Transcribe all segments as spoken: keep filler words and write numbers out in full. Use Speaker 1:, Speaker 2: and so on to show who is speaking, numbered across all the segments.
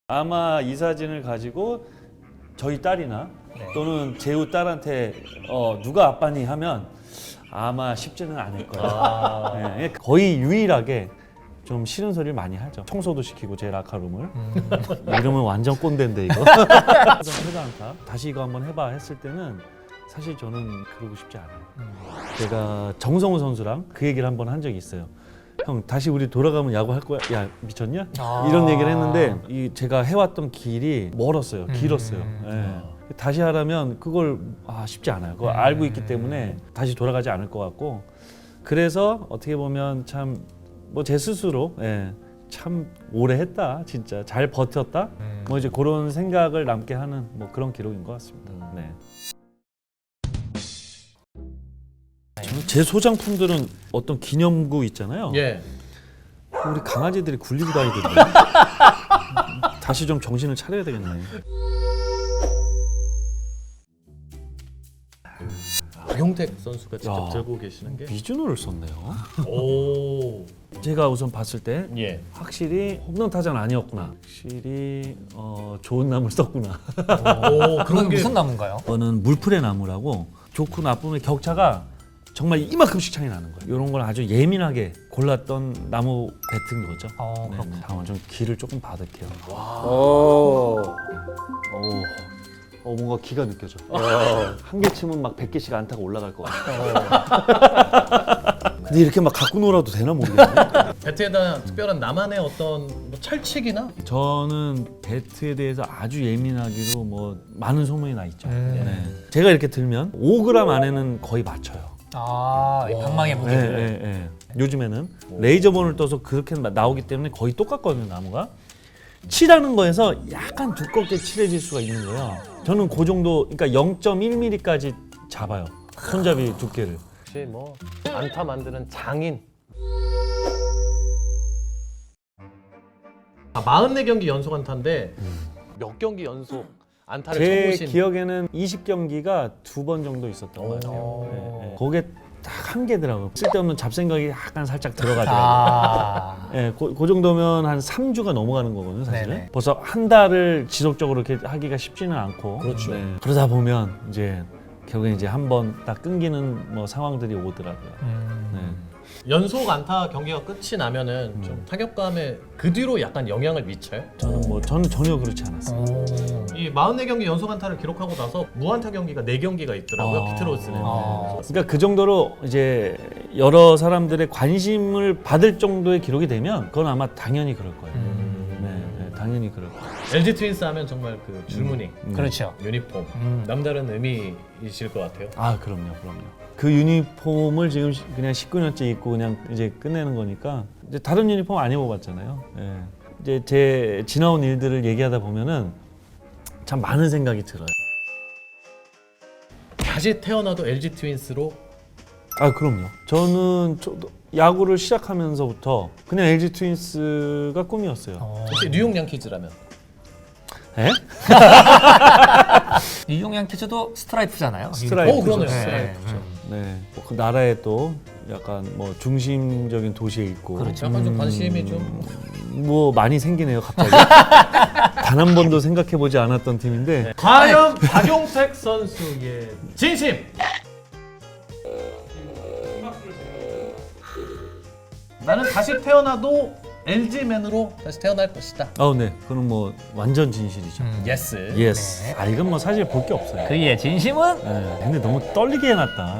Speaker 1: 아마 이 사진을 가지고 저희 딸이나
Speaker 2: 네.
Speaker 1: 또는 재우 딸한테 어, 누가 아빠니 하면 아마 쉽지는 않을 거예요.
Speaker 2: 아.
Speaker 1: 네, 거의 유일하게 좀 싫은 소리를 많이 하죠. 청소도 시키고 제 라카룸을.
Speaker 2: 음.
Speaker 1: 이러면 완전 꼰대인데 이거. 회사 안타 다시 이거 한번 해봐 했을 때는 사실 저는 그러고 싶지 않아요.
Speaker 2: 음.
Speaker 1: 제가 정성우 선수랑 그 얘기를 한번 한 적이 있어요. 형 다시 우리 돌아가면 야구 할 거야? 야 미쳤냐?
Speaker 2: 아.
Speaker 1: 이런 얘기를 했는데 이 제가 해왔던 길이 멀었어요. 길었어요.
Speaker 2: 음.
Speaker 1: 예. 다시 하라면 그걸 아, 쉽지 않아요. 그걸
Speaker 2: 음.
Speaker 1: 알고 있기 때문에 다시 돌아가지 않을 것 같고 그래서 어떻게 보면 참 뭐 제 스스로 예, 참 오래 했다 진짜 잘 버텼다
Speaker 2: 음.
Speaker 1: 뭐 이제 그런 생각을 남게 하는 뭐 그런 기록인 것 같습니다. 네. 저는 제 소장품들은 어떤 기념구 있잖아요.
Speaker 2: 예.
Speaker 1: 우리 강아지들이 굴리고 다니던데. 다시 좀 정신을 차려야 되겠네.
Speaker 2: 박용택 선수가 직접
Speaker 1: 야.
Speaker 2: 들고 계시는 게.
Speaker 1: 미주노를 썼네요.
Speaker 2: 오.
Speaker 1: 제가 우선 봤을 때
Speaker 2: 예.
Speaker 1: 확실히 홈런 타자는 아니었구나. 확실히 어, 좋은 나무를 썼구나.
Speaker 2: 오, 그런 게
Speaker 3: 무슨 나무인가요?
Speaker 1: 이거는 물풀의 나무라고 좋고 나쁨의 격차가 정말 이만큼씩 차이 나는 거예요. 이런 걸 아주 예민하게 골랐던 나무 배트인 거죠.
Speaker 3: 어,
Speaker 1: 네,
Speaker 3: 그렇군요.
Speaker 1: 다음은 좀 기를 조금 받을게요.
Speaker 4: 오.
Speaker 1: 오, 어, 뭔가 기가 느껴져. 한 개 치면 막 백 개씩 안타가 올라갈 것 같아. 근데 이렇게 막 갖고 놀아도 되나 모르겠네.
Speaker 2: 배트에다 특별한 나만의 어떤 뭐 철칙이나
Speaker 1: 저는 배트에 대해서 아주 예민하기로 뭐 많은 소문이 나 있죠.
Speaker 3: 음.
Speaker 1: 네. 제가 이렇게 들면 오 그램 안에는 거의 맞춰요.
Speaker 3: 아, 이 방망이
Speaker 1: 네,
Speaker 3: 무게를.
Speaker 1: 네, 네. 요즘에는 레이저본을 떠서 그렇게 나오기 때문에 거의 똑같거든요, 나무가. 칠하는 거에서 약간 두껍게 칠해질 수가 있는 거예요. 저는 그 정도, 그러니까 영 점 일 밀리미터까지 잡아요. 손잡이 두께를.
Speaker 2: 혹시 뭐 안타 만드는 장인. 아, 사십사 경기 연속 안타인데 몇 경기 연속 안타를
Speaker 1: 제
Speaker 2: 쳐보신.
Speaker 1: 기억에는 이십 경기가 두 번 정도 있었던 것 같아요.
Speaker 3: 오.
Speaker 1: 네, 네. 그게 딱 한 개더라고요. 쓸데없는 잡생각이 약간 살짝 들어가더라고요.
Speaker 3: 아.
Speaker 1: 예, 그, 그 정도면 한 삼 주가 넘어가는 거거든요, 사실은.
Speaker 3: 네네.
Speaker 1: 벌써 한 달을 지속적으로 이렇게 하기가 쉽지는 않고.
Speaker 2: 그렇죠.
Speaker 1: 그러다 보면 이제 결국에 이제 한 번 딱 끊기는 뭐 상황들이 오더라고요.
Speaker 3: 음.
Speaker 1: 네.
Speaker 2: 연속 안타 경기가 끝이 나면은 좀 타격감에 그 뒤로 약간 영향을 미쳐요?
Speaker 1: 저는 뭐 저는 전혀 그렇지 않았어요.
Speaker 3: 오.
Speaker 2: 이 사십사 경기 연속 안타를 기록하고 나서 무안타 경기가 네 경기가 있더라고요.
Speaker 1: 아.
Speaker 2: 피트로즈는.
Speaker 3: 아.
Speaker 1: 그러니까 그 정도로 이제 여러 사람들의 관심을 받을 정도의 기록이 되면 그건 아마 당연히 그럴 거예요.
Speaker 3: 음.
Speaker 1: 네, 네, 당연히 그럴 거예요.
Speaker 2: 엘지 트윈스 하면 정말 그 줄무늬,
Speaker 1: 음.
Speaker 3: 그렇죠.
Speaker 2: 유니폼
Speaker 3: 음.
Speaker 2: 남다른 의미이실 것 같아요.
Speaker 1: 아, 그럼요, 그럼요. 그 유니폼을 지금 시- 그냥 십구 년째 입고 그냥 이제 끝내는 거니까 이제 다른 유니폼 안 입어봤잖아요. 예. 이제 제 지나온 일들을 얘기하다 보면은 참 많은 생각이 들어요.
Speaker 2: 다시 태어나도 엘지 트윈스로.
Speaker 1: 아, 그럼요. 저는 저도 야구를 시작하면서부터 그냥 엘지 트윈스가 꿈이었어요.
Speaker 3: 어.
Speaker 2: 혹시 뉴욕 양키즈라면?
Speaker 1: 예?
Speaker 3: 이용 양키즈도 스트라이프잖아요.
Speaker 1: 스트라이프.
Speaker 2: 오, 그러네요.
Speaker 3: 네.
Speaker 2: 스트라이프.
Speaker 1: 네. 뭐그 나라에 또 약간 뭐 중심적인 도시에 있고
Speaker 3: 그렇죠.
Speaker 2: 약간 좀 관심이 좀.
Speaker 1: 뭐 많이 생기네요, 갑자기. 단 한 번도 생각해 보지 않았던 팀인데
Speaker 2: 과연 박용택 선수의 진심. 나는 다시 태어나도 엘지맨으로 다시 태어날 것이다.
Speaker 1: 아, 네. 그건 뭐 완전 진실이죠.
Speaker 3: 음.
Speaker 2: 예스.
Speaker 1: 예스.
Speaker 3: 네.
Speaker 1: 아, 이건 뭐 사실 볼 게 없어요.
Speaker 3: 그의 진심은
Speaker 1: 예, 근데 너무 떨리게 해놨다.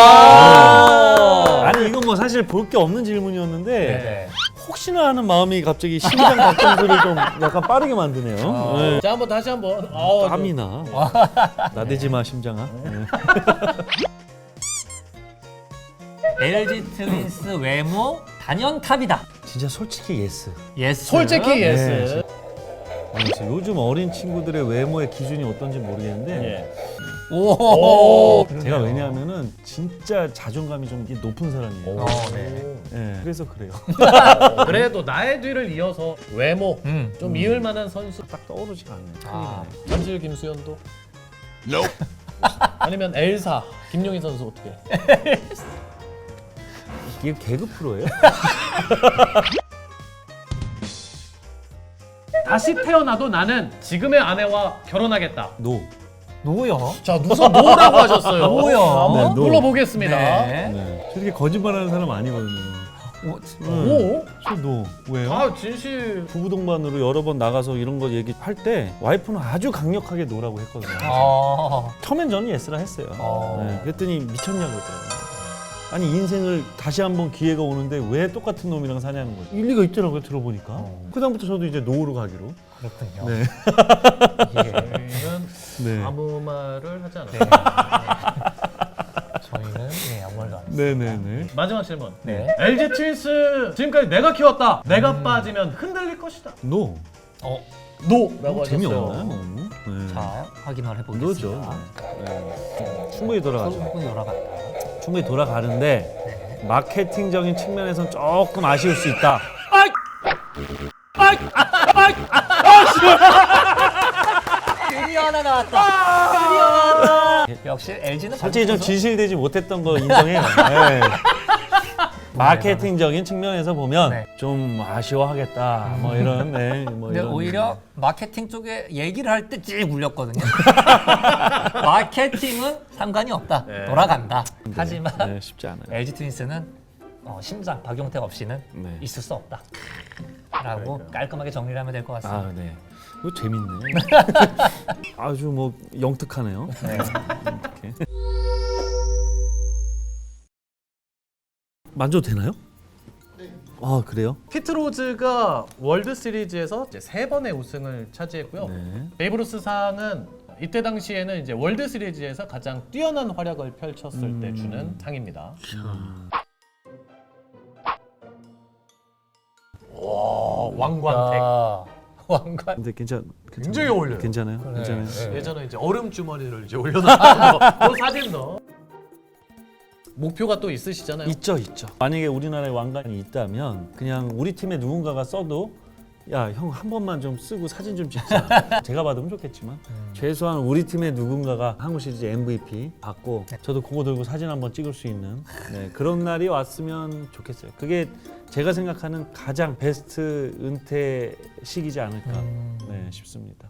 Speaker 2: 아.
Speaker 1: 아니, 이건 뭐 사실 볼 게 없는 질문이었는데
Speaker 3: 네.
Speaker 1: 혹시나 하는 마음이 갑자기 심장 박동수를 좀 약간 빠르게 만드네요.
Speaker 3: 아.
Speaker 1: 네.
Speaker 2: 자, 한번 다시 한번. 어,
Speaker 1: 땀이 나. 나대지 마, 심장아. 네.
Speaker 3: 엘지 트윈스 외모 단연탑이다.
Speaker 1: 진짜 솔직히 예스.
Speaker 3: 예스.
Speaker 2: 솔직히
Speaker 1: 네,
Speaker 2: 예스.
Speaker 1: 아니, 진짜 요즘 어린 친구들의 외모의 기준이 어떤지 모르겠는데
Speaker 2: 예.
Speaker 3: 오.
Speaker 1: 제가 왜냐하면은 진짜 자존감이 좀 높은 사람이에요.
Speaker 3: 어, 네.
Speaker 1: 예, 그래서 그래요.
Speaker 2: 그래도 나의 뒤를 이어서 외모
Speaker 3: 음.
Speaker 2: 좀 이을 만한 선수.
Speaker 1: 딱 떠오르지가 않네요.
Speaker 3: 아.
Speaker 1: 큰일이네.
Speaker 2: 잠실 김수현도. 아니면 엘사 김용희 선수 어떻게?
Speaker 1: 이게 개그 프로예요?
Speaker 2: 다시 태어나도 나는 지금의 아내와 결혼하겠다.
Speaker 1: 노.
Speaker 3: 노요.
Speaker 2: 자, 우선 노라고 하셨어요.
Speaker 3: 노요.
Speaker 2: 한번
Speaker 1: 네, 노.
Speaker 2: 불러보겠습니다.
Speaker 3: 네.
Speaker 1: 네. 저렇게 거짓말하는 사람 아니거든요.
Speaker 3: 오,
Speaker 2: 오?
Speaker 1: 저 노. 왜요?
Speaker 2: 아, 진실.
Speaker 1: 부부 동반으로 여러 번 나가서 이런 거 얘기할 때 와이프는 아주 강력하게 노라고 했거든요.
Speaker 3: 어.
Speaker 1: 처음엔 저는 예스라 했어요.
Speaker 3: 어.
Speaker 1: 네, 그랬더니 미쳤냐고 그러더라고요. 아니 인생을 다시 한번 기회가 오는데 왜 똑같은 놈이랑 사냐는 거죠. 일리가 있더라고요 들어보니까.
Speaker 3: 어.
Speaker 1: 그다음부터 저도 이제 노로 가기로.
Speaker 3: 그렇군요.
Speaker 1: 네.
Speaker 3: 예.
Speaker 2: 저희는
Speaker 1: 네.
Speaker 2: 아무 말을 하지 않아요.
Speaker 3: 저희는 예, 아무 말도 안 했어요.
Speaker 1: 네네네.
Speaker 2: 마지막 질문.
Speaker 3: 네.
Speaker 2: 엘지 트윈스 지금까지 내가 키웠다. 내가 빠지면 흔들릴 것이다.
Speaker 1: 노.
Speaker 3: 어,
Speaker 2: 노라고 하셨어요.
Speaker 1: 재미없나요? 너무? 네.
Speaker 3: 자, 확인을 해보겠습니다.
Speaker 1: 노죠. 네. 충분히 돌아가죠.
Speaker 3: 충분히 돌아간다.
Speaker 1: 충분히 돌아가는데 마케팅적인 측면에서는 조금 아쉬울 수 있다.
Speaker 3: 드디어 하나 나왔다. 드디어 나왔다. 역시 엘지는
Speaker 1: 솔직히 좀 진실되지 못했던 거 인정해요. 네. 마케팅적인 측면에서 보면
Speaker 3: 네.
Speaker 1: 좀 아쉬워하겠다. 뭐 이런, 네, 뭐
Speaker 3: 근데
Speaker 1: 이런.
Speaker 3: 오히려 마케팅 쪽에 얘기를 할 때 찌 울렸거든요. 마케팅은 상관이 없다.
Speaker 2: 네.
Speaker 3: 돌아간다. 하지만
Speaker 1: 네, 쉽지 않아요.
Speaker 3: 엘지 트윈스는 어, 심장 박용택 없이는
Speaker 1: 네.
Speaker 3: 있을 수 없다. 라고 깔끔하게 정리를 하면 될 것 같습니다.
Speaker 1: 아, 네. 이거 재밌네. 아주 뭐 영특하네요.
Speaker 3: 네.
Speaker 1: 이렇게. 만져도 되나요? 네. 아, 그래요?
Speaker 2: 피트 로즈가 월드 시리즈에서 이제 세 번의 우승을 차지했고요.
Speaker 1: 네.
Speaker 2: 베이브루스 상은 이때 당시에는 이제 월드 시리즈에서 가장 뛰어난 활약을 펼쳤을
Speaker 1: 음.
Speaker 2: 때 주는 상입니다. 와, 왕관택.
Speaker 3: 아, 왕관.
Speaker 1: 근데 괜찮, 괜찮
Speaker 2: 굉장히 어울려요.
Speaker 1: 괜찮아요?
Speaker 3: 그래.
Speaker 1: 괜찮아요?
Speaker 3: 네.
Speaker 2: 예전에 이제 얼음 주머니를 이제 올려놓은 거, 그 사진 넣어. 목표가 또 있으시잖아요.
Speaker 1: 있죠, 있죠. 만약에 우리나라에 왕관이 있다면 그냥 우리 팀에 누군가가 써도 야, 형 한 번만 좀 쓰고 사진 좀 찍자. 제가 받으면 좋겠지만
Speaker 3: 음.
Speaker 1: 최소한 우리 팀에 누군가가 한국 시리즈 엠브이피 받고 저도 그거 들고 사진 한번 찍을 수 있는 네, 그런 날이 왔으면 좋겠어요. 그게 제가 생각하는 가장 베스트 은퇴 시기지 않을까
Speaker 3: 음.
Speaker 1: 네, 싶습니다.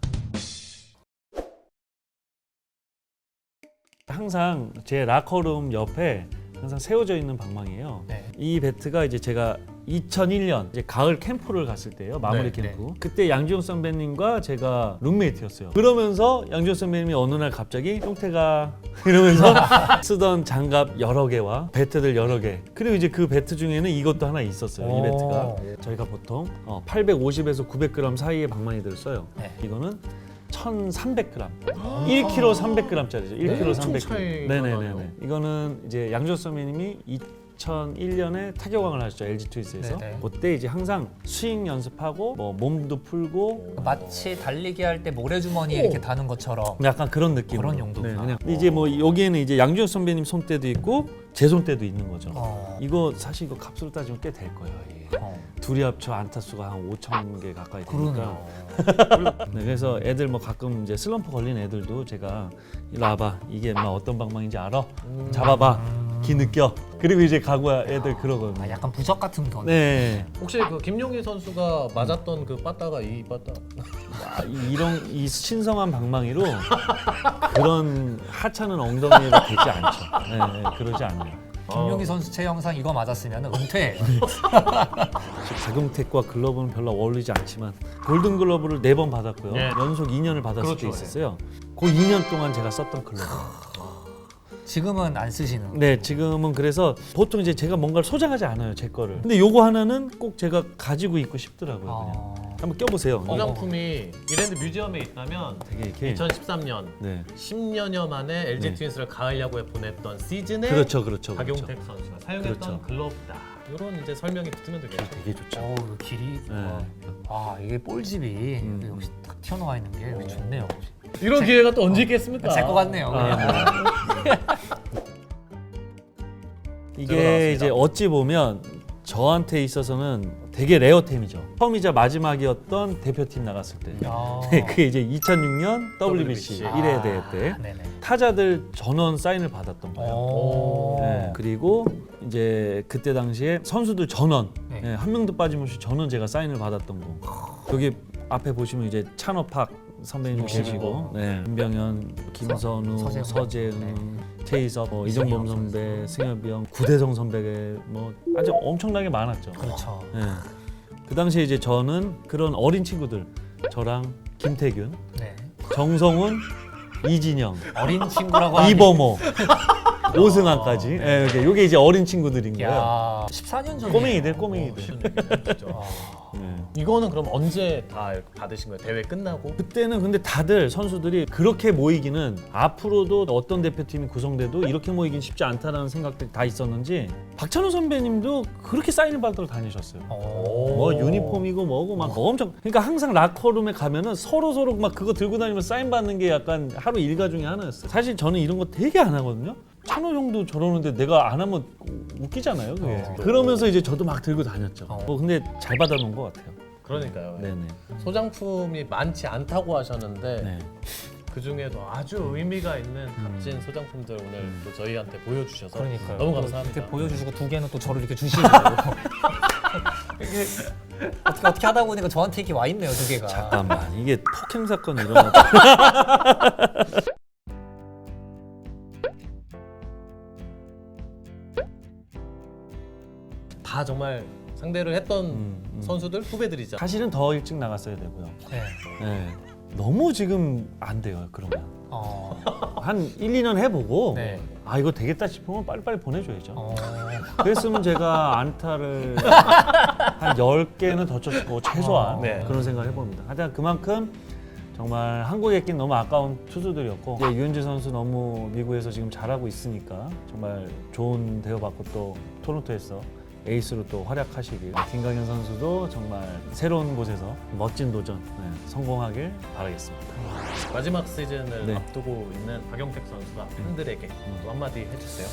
Speaker 1: 항상 제 라커룸 옆에 항상 세워져 있는 방망이에요.
Speaker 3: 네.
Speaker 1: 이 배트가 이제 제가 이천일 년 이제 가을 캠프를 갔을 때예요. 마무리
Speaker 2: 네,
Speaker 1: 캠프. 그때 양지용 선배님과 제가 룸메이트였어요. 그러면서 양지용 선배님이 어느 날 갑자기 용태가 이러면서 쓰던 장갑 여러 개와 배트들 여러 개. 그리고 이제 그 배트 중에는 이것도 하나 있었어요. 이 배트가
Speaker 3: 오.
Speaker 1: 저희가 보통 어, 팔백오십에서 구백 그램 사이의 방망이들을 써요.
Speaker 3: 네.
Speaker 1: 이거는 천삼백 그램, 일 킬로그램 삼백 그램짜리죠. 일 킬로그램
Speaker 2: 엄청
Speaker 1: 삼백 그램.
Speaker 2: 차이가
Speaker 1: 네네네네.
Speaker 2: 나네요.
Speaker 1: 이거는 이제 양조 선배님이 이천일 년에 타격왕을 하셨죠. 엘지 트윈스에서.
Speaker 3: 네네.
Speaker 1: 그때 이제 항상 스윙 연습하고 뭐 몸도 풀고
Speaker 3: 마치 달리기 할 때 모래주머니 이렇게 다는 것처럼
Speaker 1: 약간 그런 느낌.
Speaker 3: 그런 용도구나.
Speaker 1: 그냥. 근데 이제 뭐 여기에는 이제 양조 선배님 손때도 있고 제 손때도 있는 거죠.
Speaker 3: 어.
Speaker 1: 이거 사실 이거 값으로 따지면 꽤 될 거예요. 이게.
Speaker 3: 어.
Speaker 1: 둘이 합쳐 안타 수가 한 오천 개 가까이 되니까.
Speaker 3: 그러네요.
Speaker 1: 네, 그래서 애들 뭐 가끔 이제 슬럼프 걸린 애들도 제가 일로 와봐, 이게 막 어떤 방망인지 알아? 잡아봐, 기 느껴. 그리고 이제 가고 애들 그러거든요.
Speaker 3: 아, 약간 부적 같은 거.
Speaker 1: 네,
Speaker 2: 혹시 그 김용희 선수가 맞았던 그 빠따가 이 빠따?
Speaker 1: 아, 이- 이런 이 신성한 방망이로 그런 하찮은 엉덩이로 되지 않죠. 네, 네, 그러지 않아요.
Speaker 3: 김용희 선수 체 영상 이거 맞았으면 은퇴예요.
Speaker 1: 박용택과 글러브는 별로 어울리지 않지만 골든 글러브를 네 번 받았고요.
Speaker 2: 네.
Speaker 1: 연속 이 년을 받았을
Speaker 2: 그렇죠,
Speaker 1: 때 있었어요. 그 이 년 동안 제가 썼던 글러브.
Speaker 3: 지금은 안 쓰시는.
Speaker 1: 네, 지금은 그래서 보통 이제 제가 뭔가를 소장하지 않아요, 제 거를. 근데 요거 하나는 꼭 제가 가지고 있고 싶더라고요, 그냥.
Speaker 3: 어.
Speaker 1: 한번 껴보세요.
Speaker 2: 소장품이 이랜드 뮤지엄에 있다면
Speaker 1: 되게 이렇게.
Speaker 2: 이천십삼 년
Speaker 1: 네,
Speaker 2: 십 년여 만에 엘지
Speaker 1: 네.
Speaker 2: 트윈스를 가을 야구에 보냈던 시즌에
Speaker 1: 그렇죠, 그렇죠, 그렇죠.
Speaker 2: 박용택 선수가 사용했던
Speaker 1: 그렇죠.
Speaker 2: 글러브다. 이런 이제 설명이 붙으면 되겠죠.
Speaker 1: 되게 좋죠.
Speaker 3: 어우, 그 길이.
Speaker 1: 네.
Speaker 3: 아, 이게 볼집이
Speaker 1: 음.
Speaker 3: 역시 딱 튀어나와 있는 게 여기 좋네요.
Speaker 2: 이런 기회가 또 언제 있겠습니까?
Speaker 3: 제 거 같네요.
Speaker 1: 아,
Speaker 3: 그냥.
Speaker 1: 이게
Speaker 2: 들어나왔습니다.
Speaker 1: 이제 어찌 보면 저한테 있어서는 되게 레어템이죠. 처음이자 마지막이었던 대표팀 나갔을 때.
Speaker 3: 야.
Speaker 1: 네, 그게 이제 이천육 년 더블유비씨
Speaker 2: 더블유비씨.
Speaker 1: 일 회 대회 때
Speaker 3: 아, 네네.
Speaker 1: 타자들 전원 사인을 받았던 거예요.
Speaker 3: 오.
Speaker 1: 네, 그리고 이제 그때 당시에 선수들 전원
Speaker 3: 네.
Speaker 1: 네, 한 명도 빠짐없이 전원 제가 사인을 받았던 거. 여기 앞에 보시면 이제 찬업학 선배님 계시고, 네. 김병현, 김선우,
Speaker 3: 서재훈.
Speaker 1: 서재은, 최희섭, 뭐 이정범 선배, 승엽이 형, 구대성 선배 뭐 아주 엄청나게 많았죠.
Speaker 3: 그렇죠.
Speaker 1: 네. 그 당시에 이제 저는 그런 어린 친구들, 저랑 김태균,
Speaker 3: 네.
Speaker 1: 정성훈, 이진영,
Speaker 3: 어린 친구라고 하니
Speaker 1: 이범호, 오승환까지. 예, 이게 요게 이제 어린 친구들인 거예요.
Speaker 3: 야, 십사 년 전에
Speaker 1: 꼬맹이들, 꼬맹이들.
Speaker 2: 진짜.
Speaker 1: 네.
Speaker 2: 이거는 그럼 언제 다 받으신 거예요? 대회 끝나고?
Speaker 1: 그때는 근데 다들 선수들이 그렇게 모이기는 앞으로도 어떤 대표팀이 구성돼도 이렇게 모이긴 쉽지 않다라는 생각들이 다 있었는지 박찬호 선배님도 그렇게 사인을 받으러 다니셨어요.
Speaker 3: 어.
Speaker 1: 뭐 유니폼이고 뭐고 막 엄청 그러니까 항상 라커룸에 가면은 서로 서로 막 그거 들고 다니면서 사인 받는 게 약간 하루 일과 중에 하나였어요. 사실 저는 이런 거 되게 안 하거든요. 찬호 형도 저러는데 내가 안 하면 웃기잖아요. 그게.
Speaker 3: 어.
Speaker 1: 그러면서 이제 저도 막 들고 다녔죠.
Speaker 3: 어.
Speaker 1: 뭐 근데 잘 받아놓은 것 같아요.
Speaker 2: 그러니까요.
Speaker 1: 네네.
Speaker 2: 소장품이 많지 않다고 하셨는데
Speaker 1: 네.
Speaker 2: 그 중에도 아주 의미가 있는 값진 소장품들 오늘 또 저희한테 보여주셔서
Speaker 3: 그러니까요.
Speaker 2: 너무
Speaker 3: 또
Speaker 2: 감사합니다.
Speaker 3: 이렇게 보여주시고 두 개는 또 저를 이렇게 주시고 이게 어떻게 어떻게 하다 보니까 저한테 이렇게 와 있네요 두 개가.
Speaker 1: 잠깐만 이게 폭행 사건 일어났다.
Speaker 2: 다 정말 상대를 했던
Speaker 1: 음, 음.
Speaker 2: 선수들 후배들이죠.
Speaker 1: 사실은 더 일찍 나갔어야 되고요.
Speaker 3: 네.
Speaker 1: 네. 너무 지금 안 돼요. 그러면
Speaker 3: 어.
Speaker 1: 한 일, 이 년 해보고
Speaker 3: 네.
Speaker 1: 아 이거 되겠다 싶으면 빨리빨리 보내줘야죠.
Speaker 3: 어.
Speaker 1: 그랬으면 제가 안타를 한 열 개는 더 쳤고 최소한
Speaker 3: 어,
Speaker 2: 네.
Speaker 1: 그런 생각을 해봅니다. 하여튼 그만큼 정말 한국에 있긴 너무 아까운 투수들이었고 이제 유현재 선수 너무 미국에서 지금 잘하고 있으니까 정말 좋은 대우받고 또 토론토에서 에이스로 또 활약하시길 김강현 선수도 정말 새로운 곳에서 멋진 도전 네, 성공하길 바라겠습니다.
Speaker 2: 마지막 시즌을
Speaker 1: 네.
Speaker 2: 앞두고 있는 박용택 선수가 팬들에게 또 한마디 해주세요.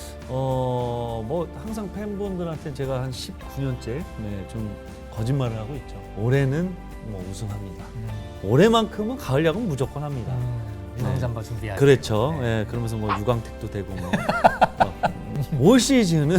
Speaker 1: 어, 뭐 항상 팬분들한테 제가 한 십구 년째 네, 좀 거짓말을 하고 있죠. 올해는 뭐 우승합니다.
Speaker 3: 음.
Speaker 1: 올해만큼은 가을 야구 무조건 합니다.
Speaker 3: 음. 유망잠바 준비할.
Speaker 1: 그렇죠.
Speaker 3: 네.
Speaker 1: 예, 그러면서 뭐 유광택도 되고 뭐. 어, 올 시즌은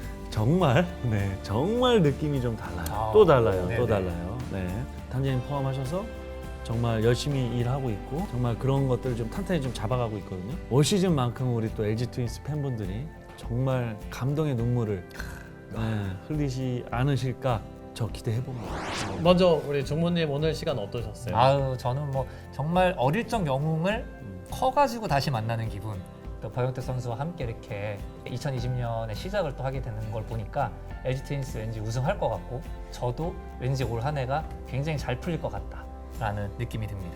Speaker 1: 정말 네, 정말 느낌이 좀 달라요.
Speaker 3: 아,
Speaker 1: 또 달라요.
Speaker 3: 네네.
Speaker 1: 또 달라요. 네. 단장님 포함하셔서 정말 열심히 일하고 있고 정말 그런 것들을 좀 탄탄히 좀 잡아가고 있거든요. 올 시즌만큼 우리 또 엘지 트윈스 팬분들이 정말 감동의 눈물을 네, 흘리지 않으실까 저 기대해 봅니다.
Speaker 2: 먼저 우리 종무님 오늘 시간 어떠셨어요?
Speaker 3: 아유 저는 뭐 정말 어릴 적 영웅을
Speaker 1: 음.
Speaker 3: 커가지고 다시 만나는 기분. 또 박용택 선수와 함께 이렇게 이천이십 년에 시작을 또 하게 되는 걸 보니까 엘지 트윈스 왠지 우승할 것 같고 저도 왠지 올 한 해가 굉장히 잘 풀릴 것 같다라는 느낌이 듭니다.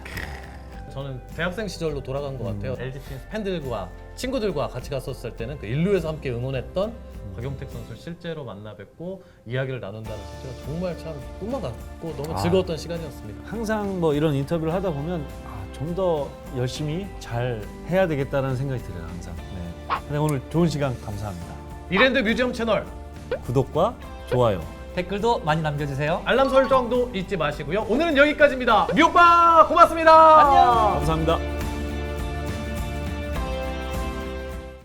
Speaker 2: 저는 대학생 시절로 돌아간 것
Speaker 1: 음.
Speaker 2: 같아요. 엘지 트윈스 팬들과 친구들과 같이 갔었을 때는 그 일루에서 함께 응원했던 박용택 선수를 실제로 만나 뵙고 이야기를 나눈다는 자체가 정말 참 꿈만 같고 너무
Speaker 1: 아.
Speaker 2: 즐거웠던 시간이었습니다.
Speaker 1: 항상 뭐 이런 인터뷰를 하다 보면 아, 좀 더 열심히 잘 해야 되겠다는 생각이 들어요. 항상. 네. 근데 오늘 좋은 시간 감사합니다.
Speaker 2: 이랜드 뮤지엄 채널
Speaker 1: 구독과 좋아요.
Speaker 3: 댓글도 많이 남겨주세요.
Speaker 2: 알람 설정도 잊지 마시고요. 오늘은 여기까지입니다. 미오빠 고맙습니다.
Speaker 3: 안녕.
Speaker 1: 감사합니다.